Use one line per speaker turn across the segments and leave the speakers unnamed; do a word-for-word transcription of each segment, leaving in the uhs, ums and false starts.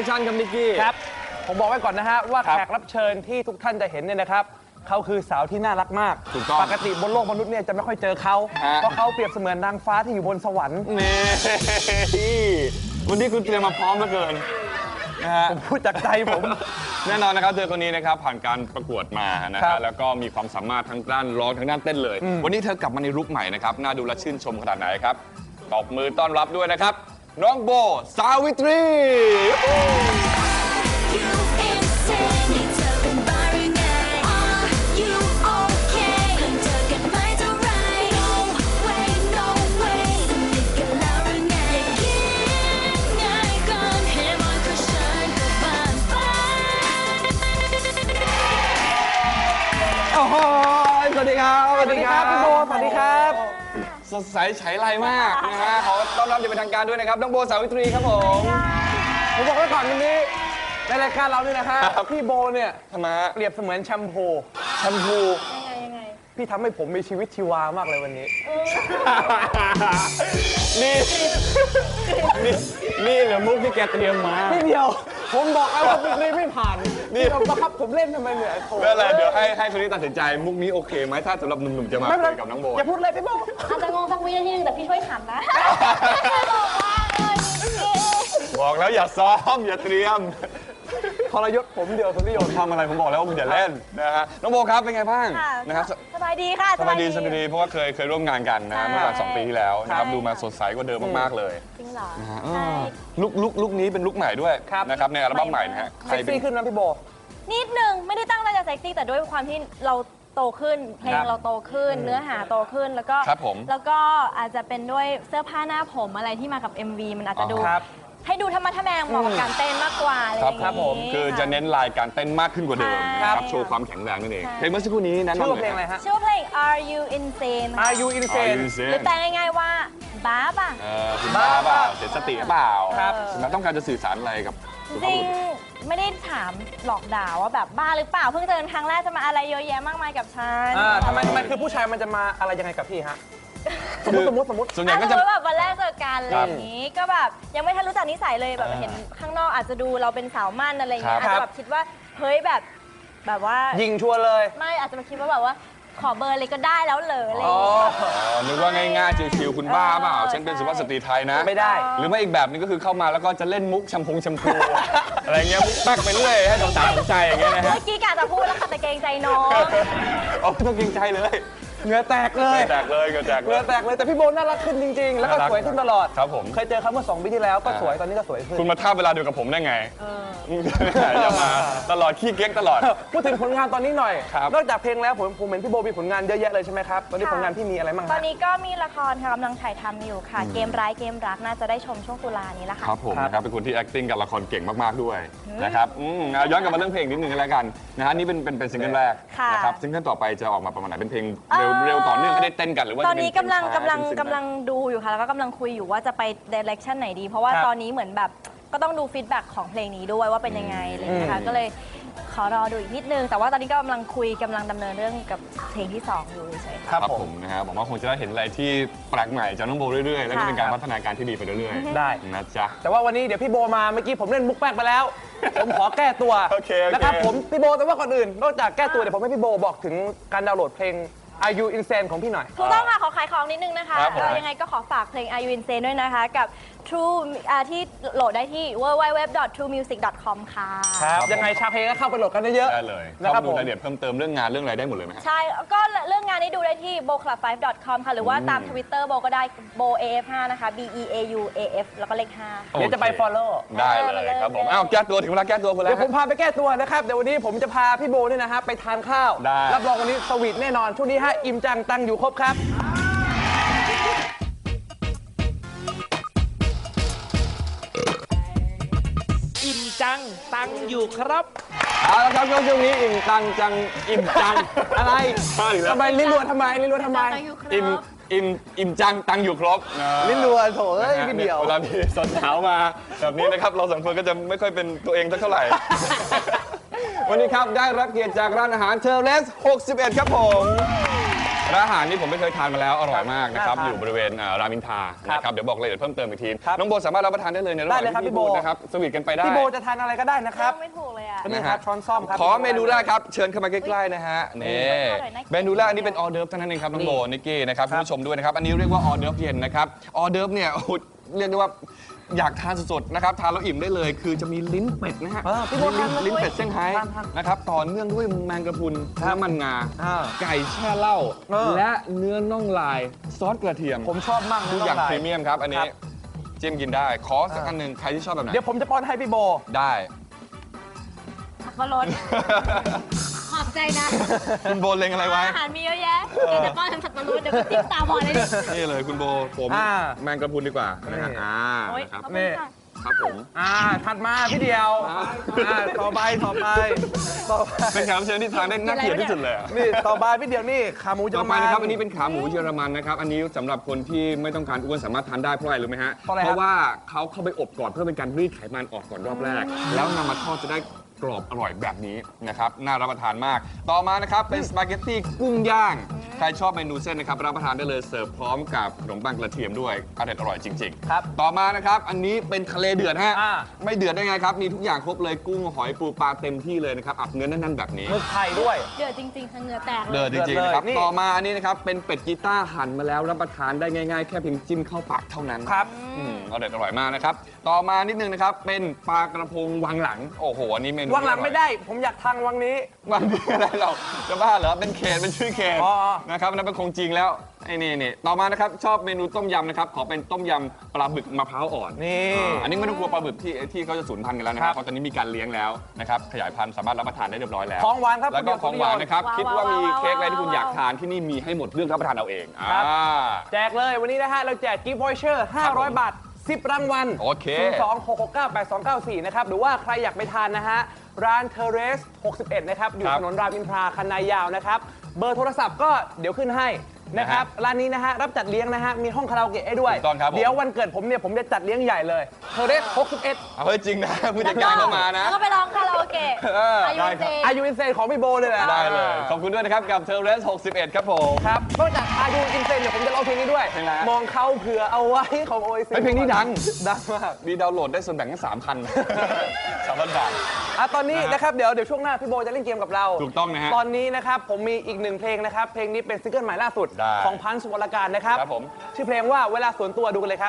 ชั่นครับนิกกี้
ครับผมบอกไว้ก่อนนะฮะว่าแขกรับเชิญที่ทุกท่านจะเห็นเนี่ยนะครับเขาคือสาวที่น่ารักมาก
ถูกต้อง
ปกติบนโลกมนุษย์เนี่ยจะไม่ค่อยเจอเขาเพราะเขาเปรียบเสมือนนางฟ้าที่อยู่บนสวรรค์
นี่วันนี้คุณเตรียมมาพร้อมเหลือเกินนะฮะ
ผมพูดจากใจผม
แน่นอนนะครับเธอคนนี้นะครับผ่านการประกวดมานะฮะแล้วก็มีความสามารถทั้งด้านร้องทั้งด้านเต้นเลยวันนี้เธอกลับมาในลุคใหม่นะครับน่าดูและชื่นชมขนาดไหนครับตบมือต้อนรับด้วยนะครับน้องโบสาวิตรี
โอ้โหสวัสดีครับสวัสดีครับพี่โบสวัสดีครับ
สดใสใช้ไรมากนะฮะขอต้อนรับอย่างเป็นทางการด้วยนะครับน้องโบสาวิตรีครับผม
ผมบอกไว้ก่อนวันนี้ในรายการเราเนี่ยนะฮะพี่โบเนี่ย
ทำไม
เปรียบเสมือนแชมพู
แชมพู
ยังไงยังไง
พี่ทำให้ผมมีชีวิตชีวามากเลยวันนี้
นี่นี่นี่เหรอมุกที่แกเตรียมมา
พี่เดียวผมบอกแล้วว่ามุกนี้ไม่ผ่านนี่เราบังคับผมเล่นทำไมเนี่ยโถ่
ไม่เป็นไรเดี๋ยวให้ให้คนนี้ตัดสินใจมุกนี้โอเคไหมถ้าสำหรับหนุ่มๆจะมาคุยกับน้องโบ
อย่าพูดเลยพี่โบ
อาจจะงงสักวินาทีนึงแต่พี่ช่วยขำนะ
บอกแล้วอย่าซ้อมอย่าเตรียม
ทรยศผมเดียวคนที่โยน
ทำอะไรผมบอกแล้วว่าคุณอย่าเล่นนะฮะน้องโบครับเป็นไงบ้างนะครับ
สบายดีค่ะ
สบายดีสบายดีเพราะว่าเคยเคยร่วมงานกันนะเมื่อประมาณสองปีที่แล้วนะครับดูมาสดใสกว่าเดิมมากๆเลย
จริงเหรอ
ลุกลุกลุกนี้เป็นลุกใหม่ด้วยนะครับในอัลบั้มใหม่นะฮะ
เซ็กซี่ขึ้นนะพี่โบ
นิดนึงไม่ได้ตั้งใจจะเซ็กซี่แต่ด้วยความที่เราโตขึ้นเพลงเราโตขึ้นเนื้อหาโตขึ้นแล้วก็แล้วก็อาจจะเป็นด้วยเสื้อผ้าหน้าผมอะไรที่มากับ เอ็ม วี มันอาจจะดูให้ดูธรรมะทะแมงเหมาะกับการเต้นมากกว่าอะไรอย่างนี้
ครับผมคือจะเน้นลายการเต้นมากขึ้นกว่าเดิมนะครับโชว์ความแข็งแรงนั่นเองเพลงเมื่อสักครู่นี้นั้น
ชื่อเพลงอะไรฮะ
ชื่อเพลง Are You Insane
Are You Insane
หรือแปลง่ายๆว่าบ้าป่ะ
เออคุณบ้าป่ะเสียสติเปล่าครับแล้วต้องการจะสื่อสารอะไรกับ
จริงไม่ได้ถามหลอกด่าว่าแบบบ้าหรือเปล่าเพิ่งเจอครั้งแรกจะมาอะไรเยอะแยะมากมายกับฉัน
ทำไมทำไมคือผู้ชายมันจะมาอะไรยังไงกับพี่ฮะสมมติสมมติสมมติ
ส่วนใหญ่ก็จะแบบวันแรกเจอกันอะไรอย่างนี้ก็แบบยังไม่ทันรู้จักนิสัยเลยแบบเห็นข้างนอกอาจจะดูเราเป็นสาวมั่นอะไรอย่างเงี้ยอาจจะแบบคิดว่าเฮ้ยแบบแบบว่า
ยิงชัวร์เลย
ไม่อาจจะมาคิดว่าแบบว่าขอเบอร์เลยก็ได้แล้วเหรออะไรอย่างเงี้ย
นึกว่าง่ายๆชิวๆคุณบ้าเปล่าฉันเป็นสุภาพสตรีไทยนะ
ไม่ได้
หรือไม่อีกแบบนึงก็คือเข้ามาแล้วก็จะเล่นมุกแชมพูแชมพูอะไรเงี้ยมุกแป๊กไปเรื่อยให้สาวๆสนใจอย่างเงี้ยนะฮะ
เมื่อกี้กะจะพูดแล้วค่ะแต่เกรงใจน้อง
อ๋อไม่ต้องเกรงใจเลย
เหงื่อแตกเลย
แตกเลยเหงื่อแตก
เหงื่อแตกเลยแต่พี่โบน่ารักขึ้นจริงๆแล้วก็สวยขึ้นตลอด
ครับผม
เคยเจอเขาเมื่อสองปีที่แล้วก็สวยตอนนี้ก็สวยขึ้น
คุณมาท่าเวลาเดียวกับผมได้ไงอย่ามาตลอดขี้เก๊กตลอด
พูดถึงผลงานตอนนี้หน่อยนอกจากเพลงแล้วผมผมเห็นพี่โบมีผลงานเยอะแยะเลยใช่ไหมครับตอนนี้ผลงานพี่มีอะไรบ้าง
ตอนนี้ก็มีละครกำลังถ่ายทำอยู่ค่ะเกมร้ายเกมรักน่าจะได้ชมช่วงตุลานี้แหละค่ะ
ครับผมนะครับเป็นคนที่ acting กับละครเก่งมากๆด้วยนะครับย้อนกลับมาเรื่องเพลงนิดนึงกันแล้วกันนะฮะนี่เป็นเป็นซิงเกิลแรกนะครับซิงเกิลต่อไปจะออกมาประมาณไหนเป็นเพลงเร็วๆต่อเนื่องเต้นกันหรือว่า
ตอนนี้กำลังกำลังกำลังดูอยู่ค่ะแล้วก็กำลังคุยอยู่ว่าจะไปเดเรคชั่นไหนดีเพราะว่าตอนนี้เหมือนแบบก็ต้องดูฟีดแบ็กของเพลงนี้ด้วยว่าเป็นยังไงอะไรอย่างเงี้ยค่ะก็เลยขอรอดูอีกนิดนึงแต่ว่าตอนนี้ก็กำลังคุยกำลังดำเนินเรื่องกับเพลงที่สองอยู่เฉยๆ
ครับผมนะฮะผมว่าคงจะได้เห็นอะไรที่แปลกใหม่จากน้องโบเรื่อยๆแล้วก็เป็นการพัฒนาการที่ดีไปเรื่อย
ๆได้
นะจ๊ะ
แต่ว่าวันนี้เดี๋ยวพี่โบมาเมื่อกี้ผมเล่นมุกแป๊กไปแล้วผมขอแก้ตัวนะครับผมพี่โบแต่ว่าก่อนอื่นนอกจากแก้ตัวเดี๋ยวผมให้พี่โบบอกถึงการดาวน์โหลดเพลงAre You Insane ของพี่หน่อย
ถูกต้องค่ะขอขายของนิดนึงนะคะยังไงก็ขอฝากเพลง Are You Insane ด้วยนะคะกับ True ที่โหลดได้ที่ ดับเบิลยู ดับเบิลยู ดับเบิลยู ดอท ทรู มิวสิก ดอท คอม ค่ะ
ครับยังไงชาวเพลงก็เข้าไปโหลดกันเยอะ
ได้เลยนะครับดูรายละเอียดเพิ่มเติมเรื่องงานเรื่องอะไรได้หมดเลยไหม
ใช่ก็เรื่องงานนี้ดูได้ที่ โบ คลับ ไฟว์ ดอท คอม ค่ะหรือว่าตาม Twitter โบก็ได้ โบ เอ เอฟ ไฟว์ นะคะ B E A U A F แล้วก็เลขห้า
เดี๋ยวจะไป follow
ได้เลยครับผมอ้าวแก้ตัวถึงเวลาแก้ตัวคุณแล้ว
เดี๋ยวผมพาไปแก้ตัวนะครับเดี๋ยววันนี้ผมจะพาพี่โบเนี่ยนะฮะไปทานข้าวรับรองวันนี้สวีทแน่นอนช่วงนี้ฮะอิ่มจังตังอยู่ครบครับ
อิ่มจังตังอยู่ครับ
เอาละครับช่วงนี้อิ่มตังจังอิ่มจังอะไร
ทำไมลิ้นรัวทำไมลิ้นรัวทำไม
อิ่มอิ่มอิ่มจังตังอยู่ครบ
ลิ้นรัวโถเอ้ยพี่เดียว
เวลาพี่สดเช้ามาแบบนี้นะครับเราสองคนก็จะไม่ค่อยเป็นตัวเองสักเท่าไหร่ วันนี้ครับได้รับเกียรติจากร้านอาหารเทอร์เลสหกสิบเอ็ดครับผมร้านอาหารนี่ผมไม่เคยทานมาแล้วอร่อยมากนะครับ
น่าทาน
อยู่บริเวณอ่ารามอินทรา
ครับ
นะครับเดี๋ยวบอกรายละเอียดเพิ่มเติมอีกที
ครับ
น้องโบสามารถรับประทานได้เลยในระห
ได้
ว่าง
เลยครับ
ที่
พี่โบ
พูดนะครับสวีทกันไปได้
พี่โบจะทานอะไรก็ได้นะครับ
ไม่ถูกเลยอ่ะ
นี่ครับช้อนซ่อมครับ
ขอเมนูแรกครับเชิญเข้ามาใกล้ๆนะฮะนี่
อร่อยน่ากิน
เมนูแรกอันนี้เป็นออเดิร์ฟเท่านั้นเองครับน้องโบนิกกี้นะครับ
ครั
คุ
บ
ณผู้ชมด้วยนะครับอันนี้เรียกว่าออเดิร์ฟเย็นนะครับออเดิร์ฟเนี่ยโอ้โหเรียกได้ว่าอยากทานสดๆนะครับทานแล้วอิ่มได้เลย คือจะมีลิ้นเป็ดนะฮะ
เออพี่โบทานเลย
ลิ้นเป็ดเซี่ยงไฮ้
ทานทาน
นะครับต่อเนื่องด้วยแมงกะพรุนน้ำมันงา
อ่า
ไก่แช่เหล้า
เออ
และเนื้อน่องลายซอสกระเทียม
ผมชอบมากนะ
ทุกอย่าง
น้ล
พรีเมียมครับอัน
ค
นี้
รับ
จิ้มกินได้ ขอสักอันหนึ่งใครที่ชอบแบบไหน
เดี๋ยวผมจะป้อนให้พี่โบ
ได้
สับปะรดขอบใจนะ
คุณโบเล็งอะไรไว้
อาหารมีเยอะแยะเดี๋ยวจะป้อนทำสับปะรดเดี๋ยวก็จิ้มตาบอดเลยดิ
นี่เลยคุณโบผม
อ่า
แมงกะพรุนดีกว่านะฮะ
นี่
อ่า
โอ้ย
นะครับ
ขอบคุณค่ะ
ครับผม
อ่าถัดมาพี่เดียวอ่าต่อไปต่อไปต่อไป
เป็นแขกรับเชิญที่ทานได้น่าเกลียดที่สุดเลยอะ
นี่ต่อไปพี่เดียวนี่ขาหมูเยอ
ต่อ
ร
ไป
มัน
นะครับอันนี้เป็นขาหมูเยอรมันนะครับอันนี้สำหรับคนที่ไม่ต้องการอ้วนสามารถทานได้เพราะอะไรรู้ไหมฮะ
เพราะอะไรครับ
เพราะว่าเขาเข้าไปอบก่อนเพื่อเป็นการรีดไขมันออกก่อนรอบแรก แล้วนำมาทอดจะได้กรอบอร่อยแบบนี้นะครับน่ารับประทานมาก ต่อมานะครับเป็นสปาเกตตี้กุ้งย่างใครชอบเมนูเส้นนะครับรับประทานได้เลยเสิร์ฟพร้อมกับขนมปังกระเทียมด้วยอร่อยอร่อยจริงๆ
ครับ
ต่อมานะครับอันนี้เป็นทะเลเดือดฮะ
อ่า
ไม่เดือดได้ไงครับมีทุกอย่างครบเลยกุ้งหอยปูปลาเต็มที่เลยนะครับอัดเนื้อแน่นๆแบบนี้
หมึกไข่ด้วย
เดือดจริงๆค่ะเหงื่อแตกเล
เดือด
ย
จริงๆนะครับ
เดือดเลยนี่
ต่อมาอันนี้นะครับเป็นเป็ดกีต้าร์หั่นมาแล้วรับประทานได้ง่ายๆ แค่เพียงจิ้มเข้าปากเท่านั้น
ครับ
อืมอร่อยอร่อยมากนะครับต่อมานิดนึงนะครับเป็นปลากระพงวังหลังโอ้โหอันนี้เมนู
วางหลัง
ที่อร่อย
ไม่ได้ ผมอยากทางวังนี้
วังนี้อะไรเราจะบ้าเหรอเป็นเขตเป็นชื่อเขต
อ๋อ
นะครับอันนั้นเป็นคงจริงแล้วไอ้นี่นี่ต่อมานะครับชอบเมนูต้มยำนะครับขอเป็นต้มยำปลาบึกมะพร้าวอ่อน
นี่
อ่าอันนี้ไม่ต้องกลัวปลาบึกที่ที่เขาจะสูญพันธุ์กันแล้วนะค
ครั
รับบ เพราะตอนนี้มีการเลี้ยงแล้วนะครับขยายพันธุ์สามารถรับประทานได้เรียบร้อยแล้ว
ของหวานครับ
แล้วก็ของหวานนะครับ
ว้าว
คิดว่ามี
ว้าว
เค้กอะไรที่คุณ
ว้าว
อยากทานที่นี่มีให้หมดเรื่องรับประทานเอาเอง
ครับ
อ่า
แจกเลยวันนี้นะฮะ เราแจกกิฟต์วอยเชอร์ห้าร้อย บาท สิบ รางวัล
โอเค
ศูนย์ สอง หก หก เก้า แปด สอง เก้า สี่ นะครับ หรือว่าใครอยากไปทานนะฮะ ร้านเทเรส หกสิบเอ็ด นะครับ อยู่
ครับ
ถนนรามอินทราคันนายาวนะครับ เบอร์โทรศัพท์ก็เดี๋ยวขึ้นให้นะครับ ร้านนี้นะฮะ รับจัดเลี้ยงนะฮะ มีห้องคาราโอเกะให้ด้วย
ถูกต้องครับผม
เดี๋ยววันเกิดผมเนี่ย ผมจะจัดเลี้ยงใหญ่เลยเทเรส หกสิบเอ็ด
เอาเฮ้ยจริงนะ ผู้จัดการเข้ามานะ
แล้วก็ไปร้องคาราโอเกะ
เออ
อายุ
ได้ครับ
เซ
อายุอินเซนของพี่โบเลยแหละ
ได้เลย ขอบคุณด้วยนะครับ กับเทเลสหกสิบเอ็ดครับผม
ครับนอกจากอายุอินเซนเนี่ยผมจะร้องเพลงนี้ด้วย
เพลงอะไรฮะ
มองเขาเผื่อเอาไว้ของโอเอซิ
เฮ้ยเพลงนี้ดัง
ดังมาก
มีดาวน์โหลดได้ส่วนแบ่งแค่สามพันสามพันบาท
อ่ะตอนนี้
นะฮะ
นะครับเดี๋ยวเดี๋ยวช่วงหน้าพี่โบจะเล่นเกมกับเรา
ถูกต้องนะฮะ
ตอนนี้นะครับผมมีอีกหนึ่งเพลงนะครับ เพลงนี้เป็นซิงเกิลใหม่ล่าสุด
ได้
ของพันธุ์สุวรรณการนะครับ
ครับผม
ชื่อเพลงว่าเวลาส่วนตัวดูกันเลยครับ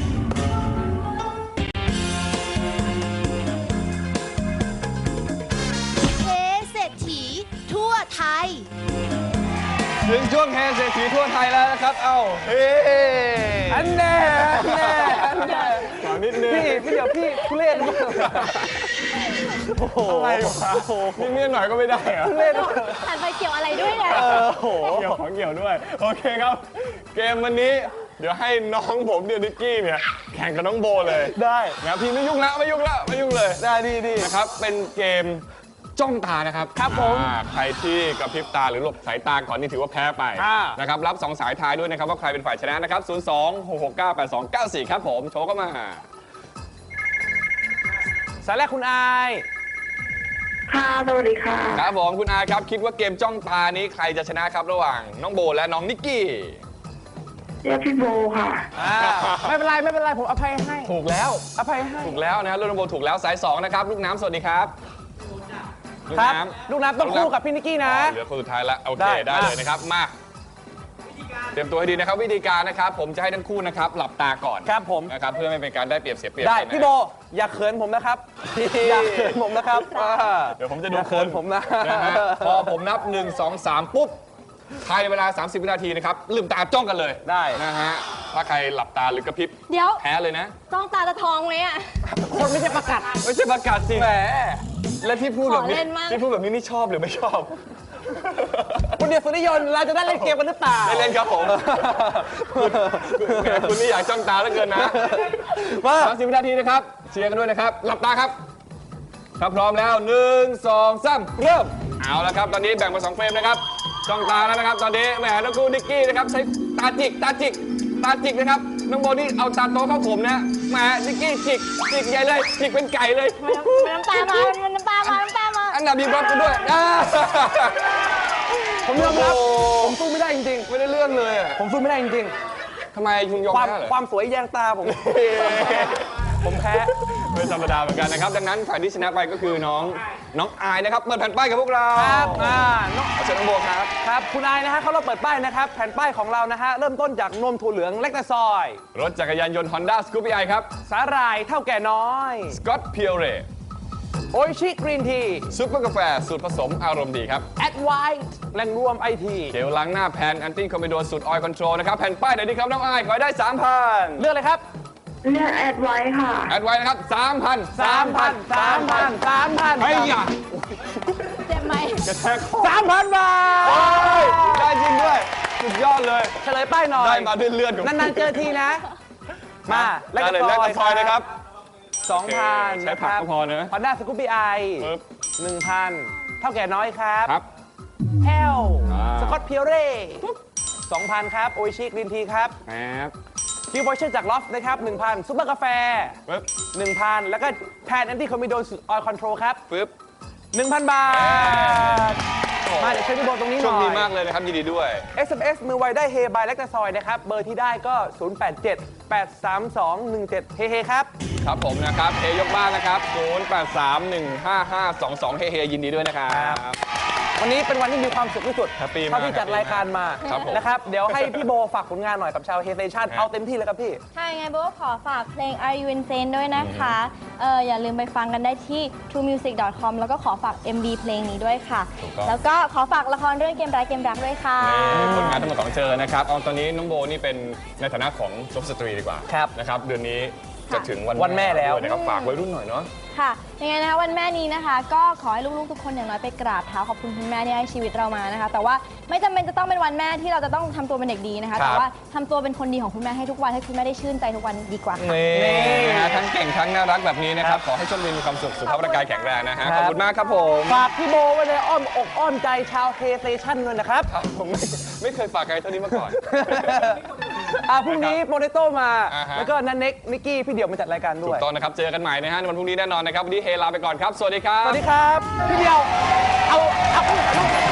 เทเศรษฐีทั่วไทย
ถึงช่วงเฮเศรษฐีทั่วไทยแล้วนะครับ เอ้าเฮ้
อันแน่อันแน่อันแน่
ขอนิดนึง
พี่พี่เดี๋ยวพี่ทุเรศมากโอ้โห
อะไรวะนี่เมียหน่อยก็ไม่ได้เหรอ
ทุเรศมาก
หันไปเกี่ยวอะไรด้วยเนี่ย
เออโอ้โห
เกี่ยวของเกี่ยวด้วย โอเคครับ เกมวันนี้เดี๋ยวให้น้องผมเดียวนิกกี้เนี่ยแข่งกับน้องโบเลย
ได้
นะพี่ไม่ยุ่งแล้วไม่ยุ่งแล้วไม่ยุ่งเลย
ได้ดีดี
นะครับเป็นเกมจ้องตานะครับ
ครับผม
อ่าใครที่กระพริบตาหรือหลบสายตาก่อนนี่ถือว่าแพ้ไป
อ่า
นะครับรับสองสายทายด้วยนะครับว่าใครเป็นฝ่ายชนะนะครับศูนย์ สอง หก หก เก้า แปด สอง เก้า สี่ครับผมโชว์เข้ามา
สายแรกคุณอาย
ค่ะ สวัสดีค่ะ
ครับผมคุณอาครับคิดว่าเกมจ้องตานี้ใครจะชนะครับระหว่างน้องโบและน้องนิกกี้
เรียกพี่โบค่ะ
อ่าไม่เป็นไรไม่เป็นไรผมอภัยให้
ถูกแล้ว
อภัยให้
ถูกแล้วนะลูกน้องโบถูกแล้วสายสองนะครับลูกน้ำสวัสดีครับลูก
ครับ
น้ำ
ลูกน้ำต้องคู่กับพี่นิกกี้นะ
อ๋อเหลือคนสุดท้ายแล้วโอเค
ได้
ได้เลยนะครับมาเตรียมตัวให้ดีนะครับวิธีการนะครับผมจะให้ทั้งคู่นะครับหลับตาก่อน
ครับผม
นะครับเพื่อไม่เป็นการได้เปรียบเสียเปรียบ
ได้
กันนะ
พี่โบอย่าเขินผมนะครับ อย่าเขินผมนะครับอ่า
เดี๋ยวผมจะดู
อย่าเขินผมนะ
นะฮะพอผมนับ หนึ่ง สอง สาม ปุ๊บภายในเวลา สามสิบ วินาทีนะครับลืมตาจ้องกันเลย
ได้
นะฮะถ้าใครหลับตาหรือกระพริบ
เดี๋ยว
แพ้เลยนะ
จ้องตาจะทองไหมอ่ะ
คนไม่ใช่ประกาศ
ไม่ใช่ประกาศสิ
แหม
และที่พูดแบบนี้
ขอเล่นมาก
ที่พูดแบบนี้นี่ชอบหรือไม่ชอบ
คุณเดียวสุริยนต์เราจะได้เล่นเกมกันหรือเปล่า
ได้เล่นครับผมคุณแหมคุณนี่อยากจ้องตาเหลือเกินนะ
มา
สามสิบ วินาทีนะครับเชียร์กันด้วยนะครับหลับตาครับถ้าพร้อมแล้วหนึ่ง สอง สาม เริ่มเอาละครับตอนนี้แบ่งเป็นสองเฟรมนะครับจ้องตาแล้วนะครับตอนนี้แหมน้องกูนิกกี้นะครับใช้ตาจิกตาจิกตาจิกนะครับน้องโบนี่เอาตาโตเข้าผมนะแหมนิกกี้จิกจิกใหญ่เลยจิกเป็นไก่เลย
มันน้ำตามา มันน้ำตามา น้ำตามา
อันดับบีบล็อกกันด้วยอ่า
ผมยอมรับผมสู้ไม่ได้จริง
ไม่ได้เรื่องเลยอะ
ๆ ผมสู้ไม่ได้จริง
ทำไมคุณยอ
ๆ
ม
ความ
แพ้เหรอ
ความสวยแยงตาผม ผมแพ้
เป็นธรรมดาเหมือนกันนะครับ ดังนั้นฝ่ายที่ชนะไปก็คือน้องน้องอายนะครับเปิดแผ่นป้ายกับพวกเรา
ครับอ่าน้อง
ขอเชิญน้องโบครับ
ครับคุณนายนะฮะเขาเราเปิดป้ายนะครับ แผ่นป้ายของเรานะฮะ เริ่มต้นจากนมถั่วเหลืองเล็กตะซอย
รถจักรยานยนต์ Honda Scoopy i ครับ
สาหร่ายเท่าแก่น้อย
Scott Pure
โออิชิกรีนที
ซุปเปอร์กาแฟสูตรผสมอารมณ์ดีครับ
แอดไวท์แหล่งรวมไอที
เจลล้างหน้าแพนแอนตี้คอมบิโดสูตรออยล์คอนโทรลนะครับ แผ่นป้ายไหนดีครับน้องอายขอให้ได้ สามพัน
เลือกเลยครับ
เลือกแอดไว้ค่ะ
แอดไว้นะครับ สามพัน
สามพันสามพันสามพัน
ไอ้ยะ
เจ็บไหม
กระแทกคอ
สามพันบาท
โอ้ยได้จริงด้วย สุดยอดเลย
เฉลยป้ายหน่อย
ได้มาด้วยเลือดของ
นานๆเจอทีนะ มา
ได้เลยแลกกับซอยนะครับ
สองพัน
ใช้ผักก็พอนะ
ฮอนด้าสกูปปี้ไอ
ปึ๊บ
หนึ่งพันเท่าแก่น้อยครับ
ครับ
แอล
อ่า
สกอตเพียวเร่สองพันครับ โออิชิกรีนทีครับ
แอบ
คิวบอยเชอร์จากลอฟนะครับหนึ่งพันซุปเปอร์กาแฟ
ปึ๊บ
หนึ่งพันแล้วก็แพนแอนตี้คอมบิโดนออยล์คอนโทรลครับ
ปึ๊บ
หนึ่งพันบาท มาเดี๋ยวเชิญพี่โบตรงนี้ห
โช
น่
ค
อย
ดีมากเลยนะครับ ยินดีด้วย
เอส เอ็ม เอส มือไวได้เฮบายแลคตาซอยนะครับ เบอร์ที่ได้ก็ ศูนย์ แปด เจ็ด แปด สาม สอง หนึ่ง เจ็ด เฮเฮครับ
ครับผมนะครับเฮยกบ้านนะครับ ศูนย์ แปด สาม หนึ่ง ห้า ห้า สอง สอง เฮเฮยินดีด้วยนะครับ
วันนี้เป็นวันที่มีความสุขที่สุด
แฮปปี้มาก
เท่าที่จัดรายการมา
ครับผม
นะครับ เดี๋ยวให้พี่โบฝากผลงานหน่อยกับชาวเฮสเตชัน
ครับ
เอาเต็มที่เลยครับพี่
ค่ะยังไงโบก็ขอฝากเพลง Are You Insane ด้วยนะคะเอออย่าลืมไปฟังกันได้ที่ ทรูมิวสิก ดอท คอม แล้วก็ขอฝาก เอ็ม วี เพลงนี้ด้วยค่ะ
ถูกต้อง
แล้วก็ขอฝากละครเรื่องเกมร้ายเกมรักด้วยค่ะ
นี่ผลงานทั้งหมดของเจอนะครับเอาตอนนี้น้องโบนี่เป็นในฐานะของซุปสตรีดีกว่า
ครับ
นะครับ เดือนนี้จะถึงวัน
วันแม่แล้ว
ด้วยนะครับฝากไว้รุ่นหน่อยเนาะ
ค่ะยังไงนะคะวันแม่นี้นะคะ ก็ขอให้ลูกๆทุกคนอย่างน้อยไปกราบเท้าขอบคุณคุณแม่ที่ให้ชีวิตเรามานะคะ แต่ว่าไม่จำเป็นจะต้องเป็นวันแม่ที่เราจะต้องทำตัวเป็นเด็กดีนะคะ
ครับ
แต่ว่าทำตัวเป็นคนดีของคุณแม่ให้ทุกวันให้คุณแม่ได้ชื่นใจทุกวันดีกว่าค่ะ
นี่นะฮะทั้งเก่งทั้งน่ารักแบบนี้นะครับ ขอให้โชคดีมีความสุขสุขภาพร่างกายแข็งแรงนะฮะ
ครับ
ขอบคุณมากครับผม
ฝากพี่โบไว้ในอ้อมอกอ้อมใจชาวเฮสเตชันด้วยนะครับ
ครับผมไม่ไม่เคยฝากใครเท่านี้มาก่อน
อ่าพรุ่งนี้โปเตโต้มา
อ่าฮะ
แล้วก็นันเน็กนิกกี้พี่เดี่ยวมาจัดรายการด้
ถู
วย
กต้องนะครับ เจอกันใหม่นะฮะในวันพรุ่งนี้แน่นอนนะครับ วันนี้เฮลาไปก่อนครับ สวัสดีครับ
สวัสดีครับ พี่เดี่ยว เอา เอา